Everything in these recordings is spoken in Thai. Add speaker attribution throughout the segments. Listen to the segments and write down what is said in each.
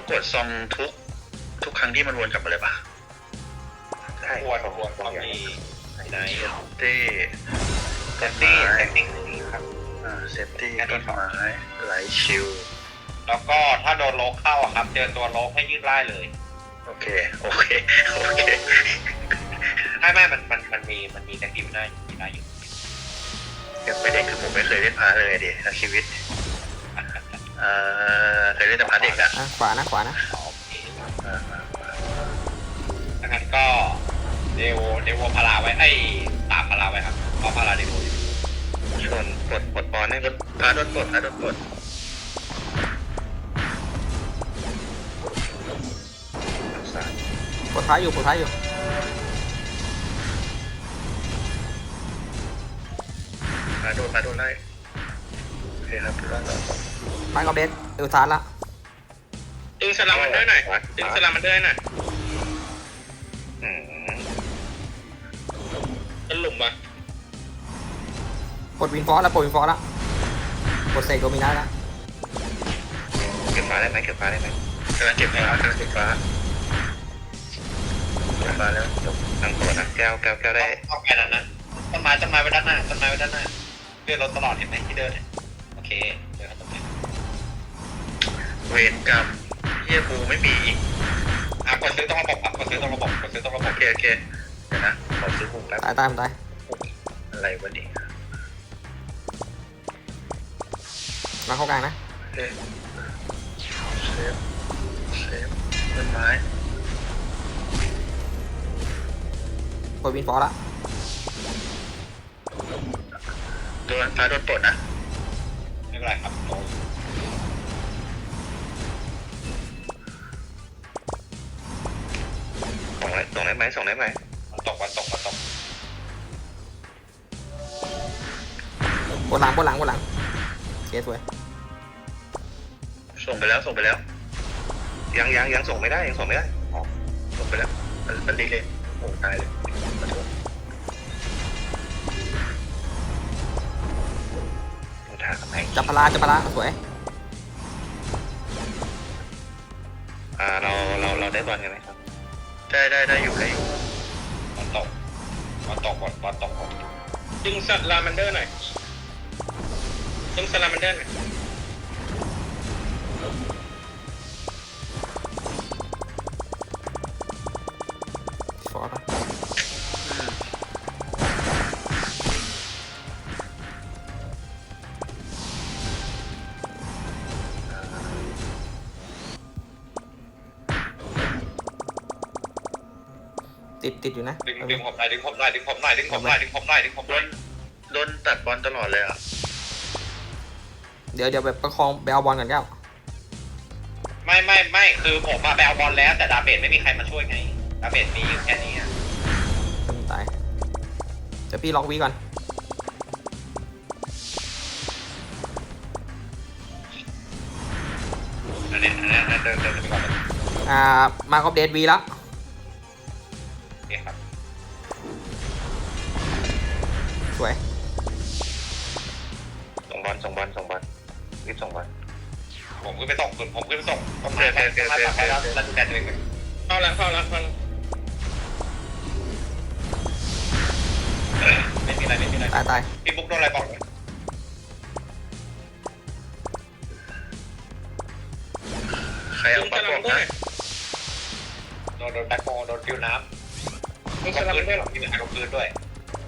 Speaker 1: กดซองทุกครั้งที่มันวนกลับมาเลยปะ
Speaker 2: ใช่
Speaker 3: ควรต้องมีไหน
Speaker 1: ตี้
Speaker 3: เซฟตี้ครับ
Speaker 1: เซฟตี้ต้นไม้ไหลชิว
Speaker 3: แล้วก็ถ้าโดนโลกเข้าอะครับเจอตัวโลกให้ยืดไล่เลย
Speaker 1: โอเค
Speaker 3: ไม่มันมีแท็กซี่ได้อยู่
Speaker 1: ยังไม่เด็กคือผมไม่เคยเล่นพาเลยดิทั้งชีวิตเคยเล่นแต่พาเด็กอะ
Speaker 2: ขวานะขวานะ
Speaker 3: โอเคดังนั้นก็เดโวพาราไว้ตามพาราไว้ครับเพราะพาราเดโวอยู่
Speaker 1: ชนปลดบอลให้พาโดนปลด
Speaker 2: ปลดท้ายอยู่
Speaker 1: พาโดนไล่โอเคครับรอด
Speaker 2: ไม้กอเบสเอลซาร์ละ
Speaker 3: ดึงสลัมมันด้วยหน่อยเป็นหลุมปะ
Speaker 2: ปลดวินฟอร์แล้วปลดเสกโดมินาแล้ว
Speaker 1: เก็บฟ้าได้ไหมกำลังเก็บฟ้าแล้วจบตั้งตัวนะแก้วได้
Speaker 3: เอาแค่นั้นนะต้นไม้ไว้ด้านหน้าเลื่อนรถตลอดเห็นไหมที่เดินเนี่ยโอเคเดินตรงนี้
Speaker 1: เวรกรรมเฮียบูไม่มีอีก
Speaker 3: กดซื้อต้องระบบโอเคเดี๋ยวนะ
Speaker 1: ขอซื้อบูแป๊บ
Speaker 2: ตาย
Speaker 1: อะไรวะนี่
Speaker 2: มาเข้ากลางนะ
Speaker 1: เซฟต้นไม้
Speaker 2: ปลดวินฟอร์ละ
Speaker 1: โดนปลดนะ
Speaker 3: ไม่เป็นไรครับโต
Speaker 1: ส่งได้ไหม
Speaker 3: มันตก
Speaker 2: บนหลังเคสวย
Speaker 1: ส่งไปแล้วยังส่งไม่ได้อ๋อส่งไปแล้วมันดีเลยโอ้ตายเลยขอโทษ
Speaker 2: จับพลาสวย
Speaker 1: เราได้บอลกันไหมครับได้อยู่
Speaker 3: บอลตกดึงสลามันเดอร์หน่อย
Speaker 2: ฟอร์ปะติดอยู่นะ
Speaker 3: ดึงผมหน่อย
Speaker 1: โดนตัดบอลตลอดเลยอ่ะ
Speaker 2: เดี๋ยวแบบประคองไปเอาบอลกันแก้ว
Speaker 3: ไม่คือผมมาไปเอาบอลแล้วแต่ดาเบจไม่มีใครมาช่วยไงดาเบจมีอยู่แค่นี้
Speaker 2: ตายเดี๋ยวพี่ล็อกวีก่อน
Speaker 3: อันนี้เดินไปก่อน
Speaker 2: มาครบเดทวีแล้ว
Speaker 3: โอเคครับ
Speaker 2: สวย
Speaker 1: ส่งบอลรีบส่งบอล
Speaker 3: ผมขึ้นไปส่งต้องมาแล้วดูแลตัวเองเข้าแล้วไม่มีอะไร
Speaker 2: ตาย
Speaker 3: พี่บุ๊กโดนอะไรบอกเลย
Speaker 1: ใครเอาปลาบอกนะ
Speaker 3: โดนแบ็คโฮโดนฟิวน้ำมีปืนด้วยหรอมีใครลงปืนด้วย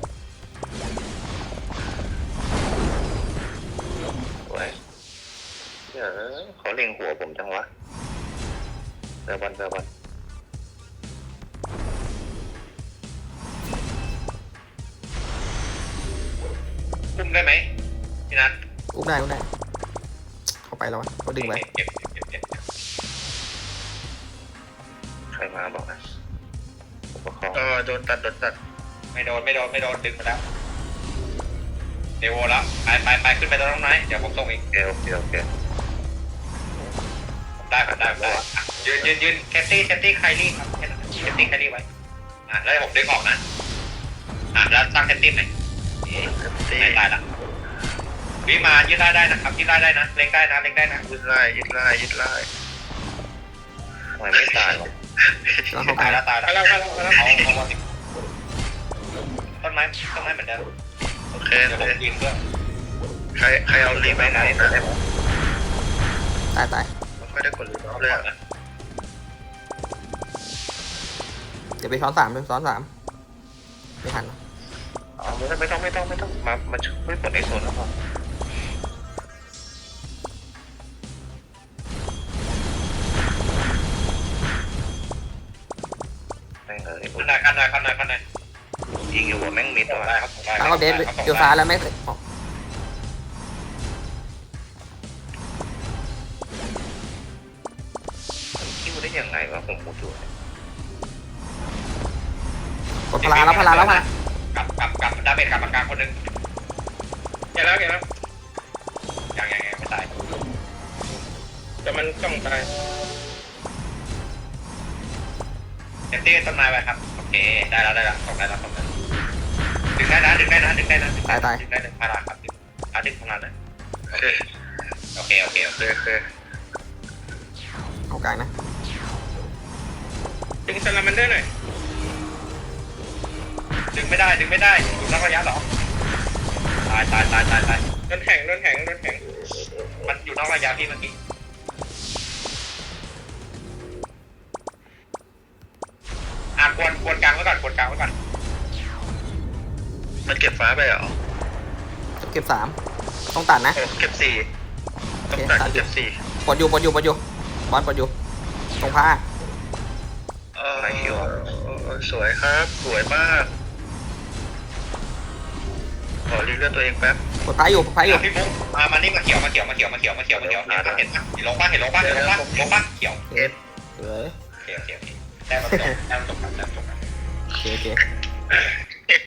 Speaker 1: โอ้ยเขาเล็งหัวผมจังวะเจอบอล
Speaker 3: คุมได้ไหมพี่นัท
Speaker 2: อุ้มได้เข้าไปแล้วเขาดึงไว้
Speaker 3: เก็บ
Speaker 1: ใครมาบอกนะโดนตัด
Speaker 3: ไม่โดนดึงมาแล้วเดโวแล้วไปขึ้นไปตรงไหนเดี๋ยวผมส่งอีก
Speaker 1: โอเค
Speaker 3: ได้ยืนแคตตี้ไคลี่ครับแคตตี้ไคลี่ไว้แล้วผมดึงออกนะแล้วตั้งแคตตี้ไหนไม่ตายละวิมายืดได้นะครับยืดได้นะเล็งได้นะ
Speaker 1: ยึดไล่ทำไมไม่ตายวะ
Speaker 2: กำลังเข้าไป
Speaker 3: ตายแล้วตายแล้ว
Speaker 4: แล้ว
Speaker 3: เอาต้นไม้เหมือนเดิม
Speaker 1: โอเค
Speaker 3: เดี๋ยว
Speaker 1: โอ
Speaker 3: ผม
Speaker 1: เค
Speaker 3: ยิงด้วย
Speaker 1: ใครเอารีบไปไหนนะ
Speaker 2: ตาย
Speaker 1: ไม่ค่อยได้กดรีบเลยอ่ะ
Speaker 2: เดี๋ยวไปซ้อนสามไม่ทันหรอก
Speaker 1: อ๋อไม่ต้องมาช่วยกดในโซนแล้วพอแม่งเลย
Speaker 3: ข้างใน
Speaker 1: ยิงอยู่หัวแม่งมิด
Speaker 3: ส่ง
Speaker 1: ว่ะ
Speaker 3: ได้ครับส่งได้
Speaker 2: แล้วก็เดฟเดี๋ยวซ้ายแล้วไม่ออก
Speaker 1: คิวได้ยังไงวะผมพูดอยู่
Speaker 2: กดพลาแล้ว
Speaker 3: กลับดาเมจกลับมากลางคนนึง
Speaker 4: แกแล้ว
Speaker 3: ยังไม่ตาย
Speaker 4: แต่มันต้องตาย
Speaker 3: เซฟตี้ต้นไม้ไว้ครับโอเคได้แล้วส่งได้แล้วดึงได้นะพาราครับดึงพาราเลย
Speaker 1: โอเค
Speaker 3: โอเค
Speaker 1: โอเค
Speaker 2: เอากลางนะ
Speaker 4: ดึงซาลามันเดอร์หน่อย
Speaker 3: ดึงไม่ได้อยู่นอกระยะหรอตาย
Speaker 4: โดนแข็ง
Speaker 3: มันอยู่นอกระยะพี่เมื่อกี้กวนกลางไว้ก่อน
Speaker 1: มันเก็บฟ้าไปเหรอ
Speaker 2: เก็บต้องตัดนะ
Speaker 1: โอ้เก็บสี่ต้องตัดเก็บสี่
Speaker 2: ปลดอยู่บอลปลดอยู่ตรงผ้า
Speaker 1: ไรอยู่สวยครับสวยมากขอรีเลือดตัวเองแป๊บ
Speaker 2: ปลดผ้าอยู่
Speaker 3: พี่บุ๊กมานี่มาเขียวเห็นลงป่ะเขียว
Speaker 2: เอ็ดเออ
Speaker 3: โอเคได้มาจบ
Speaker 2: โอเค